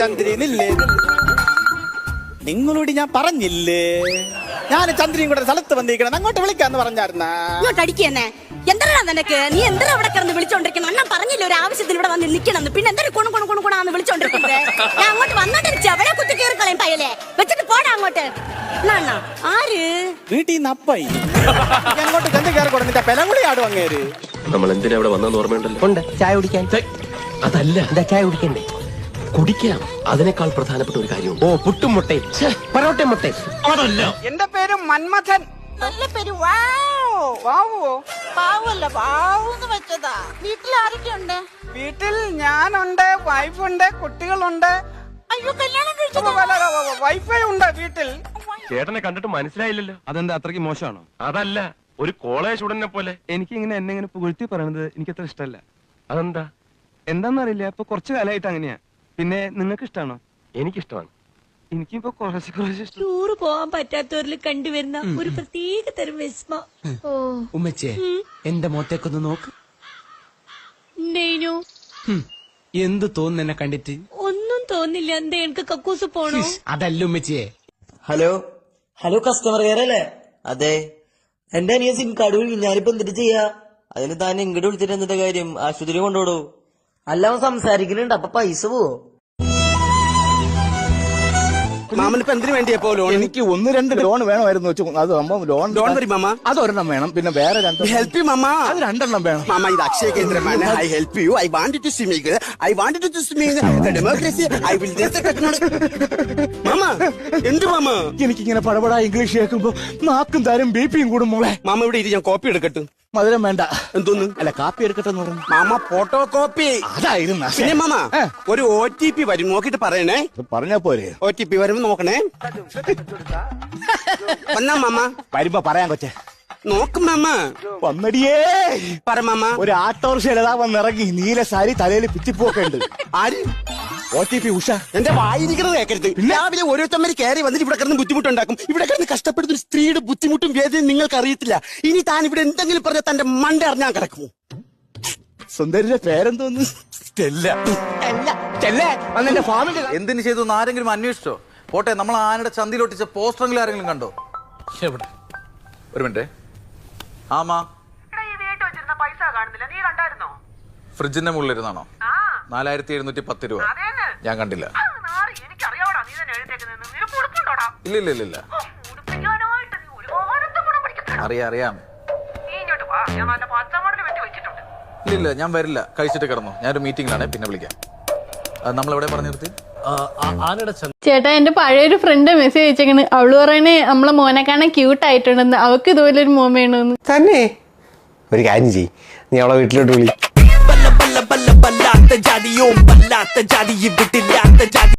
ചന്ദ്രനില്ലേ? നിങ്ങളോട് ഞാൻ പറഞ്ഞില്ലേ ഞാൻ ചന്ദ്രനും കൂടെ സ്ഥലത്ത് വന്നിരിക്കണം, അങ്ങോട്ട് വിളിക്കാന്ന് പറഞ്ഞായിരുന്ന. ഇങ്ങോട്ട് അടിക്കുന്നേ എന്താ നിനക്ക്? നീ എന്താ അവിടെ കിടന്ന് വിളിച്ചോണ്ടിരിക്കണം? അണ്ണൻ പറഞ്ഞില്ല ഒരു ആവശ്യത്തിന് ഇവിടെ വന്ന് നിൽക്കണം. പിന്നെ എന്താ കുണുകുണാന്ന് വിളിച്ചോണ്ടിരിക്കുന്നത്? ഞാൻ അങ്ങോട്ട് വന്നോണ്ടിരിച്ചു അവിടെ കുത്തി കയറി കളയും പയ്യലെ വെച്ചിട്ട് പോടാ അങ്ങോട്ട്. അണ്ണാ ആര് വീട്ടിൽ നിന്ന് അപ്പായി അങ്ങോട്ട് ചെന്ന് കയറി കൊടുത്തിട്ട് പെലകുളി ആടും അങ്ങേര്. നമ്മൾ എന്തിനാ ഇവിടെ വന്നെന്ന് ഓർമ്മയുണ്ടല്ലോ? ഉണ്ട്, ചായ കുടിക്കാൻ. അതല്ല, എന്താ ചായ കുടിക്കണ്ടേ? കുടിക്കാം. അതിനേക്കാൾ പ്രധാനപ്പെട്ട ഒരു കാര്യമുണ്ട്. ഓ, പുട്ടും മുട്ടയും പൊറോട്ടയും മുട്ടയും. അതല്ല, എന്റെ പേര് മന്മഥൻ. നല്ല പേര്. വാവോ പാവല്ല വാവൂന്ന് വെച്ചതാ. വീട്ടിൽ ആരൊക്കെയുണ്ട്? വീട്ടിൽ ഞാനുണ്ട്, വൈഫുണ്ട്, കുട്ടികളുണ്ട്. അയ്യോ കല്യാണം കഴിച്ചത്. വൈഫൈ ഉണ്ട് വീട്ടിൽ. ചേട്ടനെ കണ്ടിട്ട് മനസ്സിലായില്ലല്ലോ. അതെന്താ അത്രയ്ക്ക് മോശമാണോ? അതല്ല, ഒരു കോളേജ് സ്റ്റുഡന്റിനെ പോലെ. എനിക്ക് ഇങ്ങനെ എന്നെ ഇങ്ങനെ പുകഴ്ത്തി പറയണത് എനിക്ക് അത്ര ഇഷ്ടമല്ല. അതെന്താ? എന്താന്നറിയില്ല, ഇപ്പൊ കുറച്ച് കാലമായിട്ട് അങ്ങനെയാ. പിന്നെ നിങ്ങൾക്ക് ഇഷ്ടമാണോ? എനിക്കിഷ്ടമാണ്. എനിക്കിപ്പോ കുറച്ച് ഇഷ്ടം. ടൂറ് പോവാൻ പറ്റാത്തവരിൽ കണ്ടുവരുന്ന ഒരു പ്രത്യേക തരം വിസ്മ. ഉമ്മച്ചേ, എന്റെ മുഖത്തേക്കൊന്ന് നോക്ക്. ഉണ്ടേനു. എന്ത് തോന്നുന്നു എന്നെ കണ്ടിട്ട്? ഒന്നും തോന്നില്ല. എന്താ എനിക്ക് കക്കൂസ് പോണോ? അതല്ല ഉമ്മച്ചിയെ. ഹലോ കസ്റ്റമർ കെയർ അല്ലേ? അതെ, എന്റെ അനിയ സിം കാർഡ് വിളിക്കും. ഞാനിപ്പോ എന്തിട്ട് ചെയ്യാ? അതിന് താൻ ഇങ്ങോട്ട് വിളിച്ചിട്ട് എന്നിട്ട് കാര്യം? ആശുപത്രി കൊണ്ടുപോടൂ. അല്ല, അവൻ സംസാരിക്കുന്നുണ്ട്, അപ്പൊ പൈസ പോവോ? മാമനിപ്പോ എന്തിനു വേണ്ടിയപ്പോ ലോൺ? എനിക്ക് 1-2 ലോൺ വേണമായിരുന്നു. അത് ലോൺ വരും മാമ. അതൊരെണ്ണം വേണം, പിന്നെ വേറെ 2 ഹെൽപ്പ് യു മാമ. അത് 2 വേണം. മാമ, ഇത് അക്ഷയ കേന്ദ്രമാണ്. I help you. I wanted to swimming. I wanted to swimming. Democracy. I will മാമ. എന്ത് മാമ? എനിക്കിങ്ങനെ പടപടാ ഇംഗ്ലീഷ് കേൾക്കുമ്പോ നാക്കും താരം ബിപിയും കൂടും മോളെ. മാമ ഇവിടെ ഇരി, ഞാൻ കോപ്പി എടുക്കട്ടെ. മധുരം വേണ്ട. എന്തോന്ന്? അല്ല, കാപ്പി എടുക്കട്ടെ എന്ന് പറഞ്ഞു. മാമ ഫോട്ടോ കോപ്പി. അതായിരുന്നു. പിന്നെ മാമ ഒരു OTP വരും, നോക്കിട്ട് പറയണേ. പറഞ്ഞാ പോരെ? OTP വരുമ്പോ നോക്കണേ. വന്നാ മാമ? വരുമ്പോ പറയാൻ കൊച്ചേ. നോക്കും മാമ. വന്നടിയേ. പറ മാമ. ഒരു ആട്ടോറിക്ഷ വന്നിറങ്ങി, നീല സാരി, തലയിൽ പിച്ചിപ്പൊക്കെ ഉണ്ട്. ആര്? OTP ഉഷ. എന്റെ വായിരിക്കുന്നത് കേൾക്കരുത്. രാവിലെ ഓരോരുത്തന്മാര് കയറി വന്നിട്ട് ഇവിടെ കിടന്ന് ബുദ്ധിമുട്ടുണ്ടാക്കും. ഇവിടെ കിടന്ന് കഷ്ടപ്പെടുന്ന ഒരു സ്ത്രീയുടെ ബുദ്ധിമുട്ടും വേദനയും നിങ്ങൾക്ക് അറിയത്തില്ല. ഇനി താൻ ഇവിടെ എന്തെങ്കിലും പറഞ്ഞാൽ തന്റെ മണ്ട അറിഞ്ഞാൻ കിടക്കുമോ? സുന്ദരിയുടെ പേരെന്തോന്ന്? അന്നെ ഫാമിലി എന്തിനു ചെയ്തു എന്ന് ആരെങ്കിലും അന്വേഷിച്ചോ? പോട്ടെ, നമ്മൾ ആനയുടെ ചന്തിയിലൊട്ടിച്ച പോസ്റ്ററെങ്കിലും ആരെങ്കിലും കണ്ടോ? എവിടെ? ഒരു മിനിറ്റ്. ആമാ, ഫ്രിഡ്ജിന്റെ മുകളിലിരുന്നാണോ? 4710 രൂപ. ഞാൻ കണ്ടില്ല. ഇല്ല അറിയാം. ഇല്ല ഞാൻ വരില്ല. കഴിച്ചിട്ട് കിടന്നു. ഞാനൊരു മീറ്റിംഗിലാണ്, പിന്നെ വിളിക്കാം. നമ്മളെവിടെ പറഞ്ഞു നിർത്തി? ചേട്ടാ, എന്റെ പഴയൊരു ഫ്രണ്ട് മെസ്സേജ് അയച്ചേക്കണ്. അവള് പറയണേ നമ്മളെ മോനെ കാണാൻ ക്യൂട്ട് ആയിട്ടുണ്ടെന്ന്. അവക്ക് ഇതുപോലെ ഒരു മോൻ വേണമെന്ന്. തന്നെ ഒരു കാര്യം ചെയ്യ്, നീ അവളെ വീട്ടിലോട്ട് വിളി.